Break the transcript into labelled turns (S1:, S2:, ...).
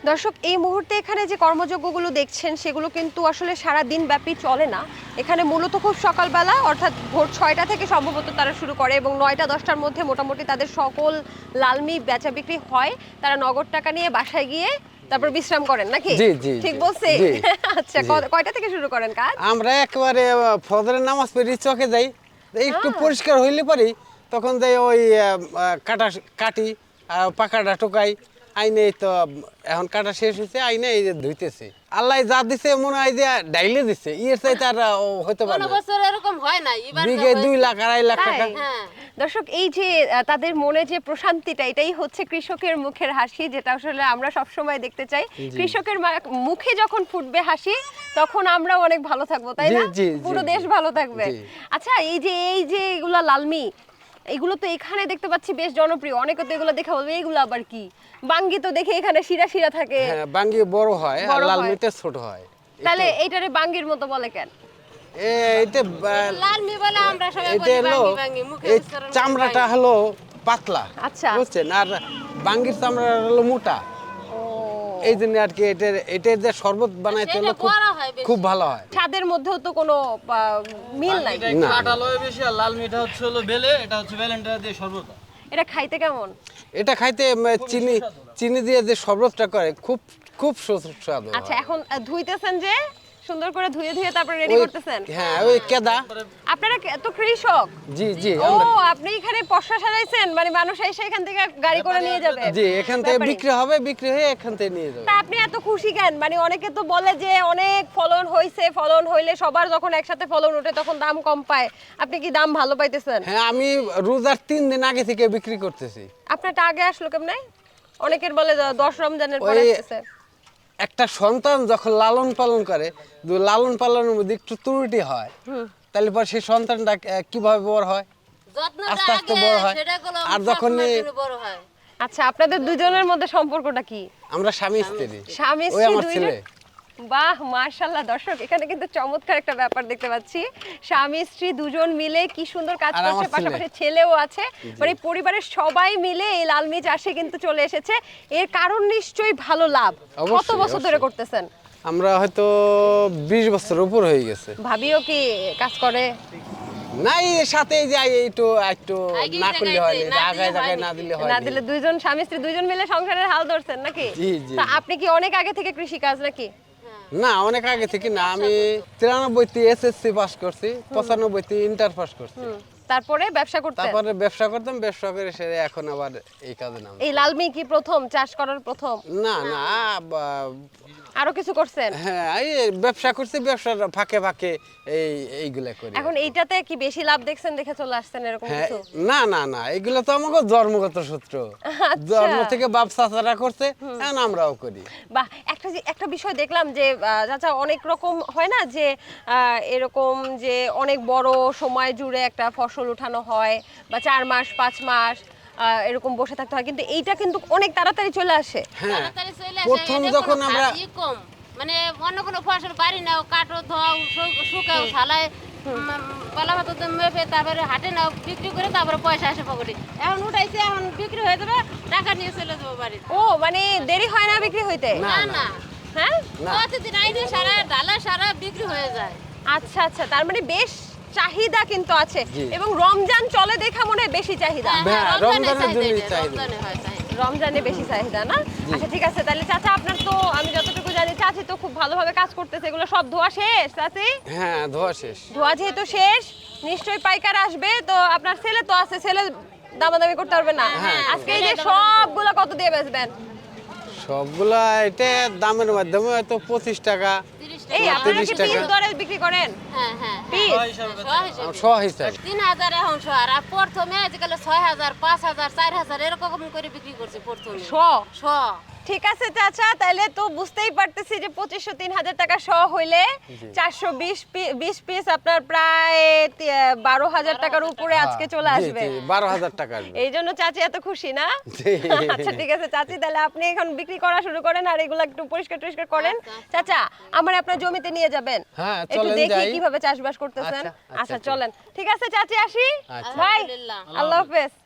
S1: দর্শক এই মুহূর্তে এখানে যে কর্মযজ্ঞগুলো দেখছেন সেগুলো কিন্তু আসলে সারা দিন ব্যাপী চলে না। এখানে মূলত খুব সকালবেলা অর্থাৎ ভোর 6টা থেকে সম্ভবত তারা শুরু করে এবং 9টা 10টার মধ্যে মোটামুটি তাদের সকল লালমি বেচা বিক্রি হয়। তারা নগদ টাকা নিয়ে বাসায় গিয়ে তারপর বিশ্রাম করেন নাকি?
S2: জি জি
S1: ঠিক বলছি? আচ্ছা, কয়টা থেকে শুরু করেন কাজ?
S2: আমরা একেবারে ফজরের নামাজ পড়ে চকে যাই, একটু পরিষ্কার হইলে পরে তখন যাই ওই কাটি পাকাটা টোকাই আইনে। তো এখন কাটা শেষ হয়েছে, আইনে এই যে ধুইতেছে। আল্লাহ যা দিছে মনে হয় যে ডাইলে দিছে, ইয়ের চাই তার হতে পারে না।
S3: বছর এরকম হয় না,
S2: বিঘে 2 লাখ 2.5 লাখ টাকা।
S1: দর্শক এই যে তাদের মনে যে প্রশান্তিটা, এটাই হচ্ছে কৃষকের মুখের হাসি, যেটা আসলে আমরা সব সময় দেখতে চাই। কৃষকের মুখে যখন ফুটবে হাসি তখন আমরা অনেক ভালো থাকবো, তাই না? পুরো দেশ ভালো থাকবে। আচ্ছা, এই যে এগুলা লালমি, এগুলো তো এখানে দেখতে পাচ্ছি বেশ জনপ্রিয়। অনেকে তো এগুলো দেখে বলবে এগুলো আবার কি? বাঙ্গি তো দেখে এখানে শিরা শিরা থাকে।
S2: হ্যাঁ, বাঙ্গি বড় হয় আর লালমিটা ছোট হয়।
S1: তাহলে এইটারে বাঙ্গির মতো বলে কেন?
S2: এইটা
S3: লালমি বলে আমরা সবাই বলি বাঙ্গি, মুখে উচ্চারণ করি
S2: চামড়াটা হলো পাতলা,
S1: আচ্ছা,
S2: বুঝছেন, আর বাঙ্গির চামড়া হলো মোটা। এই জন্য আর কি এটার যে শরবত বানাইতে হলো খুব ভালো হয়।
S1: স্বাদের মধ্যেও তো কোনো মিল নাই।
S4: কাঁঠালয় বেশি আর লাল মিঠা হচ্ছে হলো বেলে, এটা হচ্ছে বেলেনটা দিয়ে শরবত।
S1: এটা খাইতে কেমন?
S2: এটা খাইতে চিনি দিয়ে যে শরবতটা করে খুব খুব সুস্বাদু।
S1: আচ্ছা, এখন ধুইতেছেন যে সুন্দর করে ধুয়ে ধুয়ে তারপর রেডি করতেছেন?
S2: হ্যাঁ, ওই কেদা।
S1: আপনারা তো কৃষক?
S2: জি জি।
S1: ও, আপনি এখানে পশা সাজাইছেন, মানে মানুষ এসে এখান থেকে গাড়ি করে নিয়ে যাবে?
S2: জি, এখান থেকে বিক্রি হবে, বিক্রি হয়ে এখান থেকে নিয়ে যাবে।
S1: তা আপনি এত খুশি কেন? মানে অনেকে তো বলে যে অনেক ফলন হইছে, ফলন হইলে সবার যখন একসাথে ফলন ওঠে তখন দাম কম পায়। আপনি কি দাম ভালো পাইতেছেন?
S2: হ্যাঁ, আমি রোজার 3 দিন আগে থেকে বিক্রি করতেছি।
S1: আপনারটা আগে আসলো কেমনে? অনেকের বলে 10 রমজানের পরে আসছে।
S2: একটা সন্তান যখন লালন পালন করে, লালন পালনের মধ্যে একটু ত্রুটি হয়, তাহলে পর সেই সন্তানটা কিভাবে বড় হয়, আস্তে আস্তে বড় হয়। আর যখন
S1: আচ্ছা, আপনাদের দুজনের মধ্যে সম্পর্কটা কি?
S2: আমরা স্বামী স্ত্রী।
S1: স্বামী
S2: ওই
S1: স্ত্রী
S2: আমার
S1: দুইজন?
S2: ছেলে।
S1: বাহ, মাশাআল্লাহ। দর্শক এখানে কিন্তু চমৎকার একটা ব্যাপার দেখতে পাচ্ছি। স্বামী স্ত্রী দুজন মিলে কি সুন্দর কাজ
S2: আর
S1: করছে,
S2: আমার ছেলে।
S1: পাশাপাশি ছেলেও আছে। মানে পরিবারের সবাই মিলে এই লালমি চাষে কিন্তু চলে এসেছে। এর কারণ নিশ্চয়ই ভালো লাভ। কত
S2: অবশ্যই,
S1: বছর ধরে
S2: অবশ্যই।
S1: করতেছেন?
S2: আমরা হয়তো 20 বছর উপর হয়ে গেছে।
S1: ভাবিও কি কাজ করে?
S2: না, এর সাথে এই যে একটু না করলে হয় না, আগায় জায়গায় না দিলে হয়
S1: না দিলে দুইজন স্বামী স্ত্রী দুইজন মিলে সংসারের হাল ধরছেন নাকি?
S2: জি, জি।
S1: তা আপনি কি অনেক আগে থেকে কৃষি কাজ নাকি?
S2: না, অনেক আগে থেকে না। আমি 93-তে এসএসসি পাস করছি, 95-তে ইন্টার পাস করছি।
S1: তারপরে ব্যবসা করতেন?
S2: তারপরে ব্যবসা করতাম, ব্যবসা করে সেরে এখন আবার এই কাজে নাম।
S1: এই লালমি কি প্রথম চাষ করার প্রথম?
S2: না না,
S1: আরো কিছু করছেন?
S2: হ্যাঁ, এই ব্যবসা করছি, ব্যবসার ফাঁকে ফাঁকে এইগুলা করি।
S1: এখন এইটাতে কি বেশি লাভ দেখছেন দেখে চলে আসছেন এরকম
S2: হ্যাঁ,
S1: কিছু?
S2: না না না, এগুলো তো আমাকে জন্মগত সূত্র। জন্ম থেকে বাপ চাচারা করছে, এখন আমরাও করি।
S1: বাহ, একটা বিষয় দেখলাম যে চাচা, অনেক রকম হয় না যে এরকম যে অনেক বড় সময় জুড়ে একটা ফসল উঠানো হয় বা 4 মাস 5 মাস এরকম বসে থাকতে হয়, কিন্তু এইটা কিন্তু অনেক তাড়াতাড়ি চলে আসে।
S2: হ্যাঁ, প্রথম যখন আমরা
S3: কম মানে অন্য কোনো ফসল বাড়ি নাও, কাটো, ধোও, শুকাও, ছালায়, পালা ভাত মেপে তারপরে হাটে নাও, বিক্রি করে তারপরে পয়সা আসে পকেটে। এখন উঠাইছে, এখন বিক্রি হয়ে যাবে, টাকা নিয়ে চলে যাবো বাড়ি।
S1: ও, মানে দেরি হয় না বিক্রি হইতে?
S3: না না,
S1: হ্যাঁ,
S3: প্রতিদিন আইনে সারা ডালা সারা বিক্রি হয়ে যায়।
S1: আচ্ছা আচ্ছা, তার মানে বেশ চাহিদা কিন্তু আছে। এবং রমজান চলে দেখা মনে হয় বেশি চাহিদা।
S2: রমজানের জন্য চাহিদা,
S1: রমজানে বেশি চাহিদা না? আচ্ছা, ঠিক আছে। তাহলে চাচা, আপনার তো আমি যতটুকু জানি চাচি তো খুব ভালোভাবে কাজ করতেছে। এগুলো সব ধোয়া শেষ চাচি?
S2: হ্যাঁ, ধোয়া শেষ।
S1: ধোয়া যেহেতু শেষ, নিশ্চয়ই পাইকার আসবে। তো আপনার ছেলে তো আছে, ছেলে দামাদামি করতে পারবে না? আজকে এই যে সবগুলো কত দিয়ে বেচবেন?
S2: সবগুলা এটা দামের মাধ্যমে হয়তো 25 টাকা,
S1: এই আপনারা কি
S2: 30 টাকা।
S1: পিস দরে বিক্রি করেন?
S3: হ্যাঁ হ্যাঁ,
S1: পিস?
S2: সহ হিসাব
S3: 3000 এখন শো। আর প্রথমে আজকাল 6000, 5000, 4000 এরকম করে বিক্রি করছে প্রথমে শো।
S1: ঠিক আছে চাচা, তাহলে তো বুঝতেই পারতেছি যে 2500-3000 টাকা শ হইলে 420 পিস আপনার প্রায় 12,000 টাকার উপরে আজকে চলে আসবে।
S2: 12,000 টাকা আসবে।
S1: এই জন্য চাচি এত খুশি না? আচ্ছা, ঠিক আছে চাচি, তাহলে আপনি এখন বিক্রি করা শুরু করেন আর এগুলো একটু পরিষ্কার টরিষ্কার করেন। চাচা, আমার আপনার জমিতে নিয়ে যাবেন,
S2: হ্যাঁ,
S1: একটু
S2: চলেন
S1: দেখি
S2: যাই।
S1: কিভাবে চাষবাস করতেছেন।
S2: আচ্ছা,
S1: আচ্ছা চলেন। ঠিক আছে চাচি, আসি।
S2: আচ্ছা।
S1: ভাই,
S3: আলহামদুলিল্লাহ।
S1: আল্লাহ হাফেজ।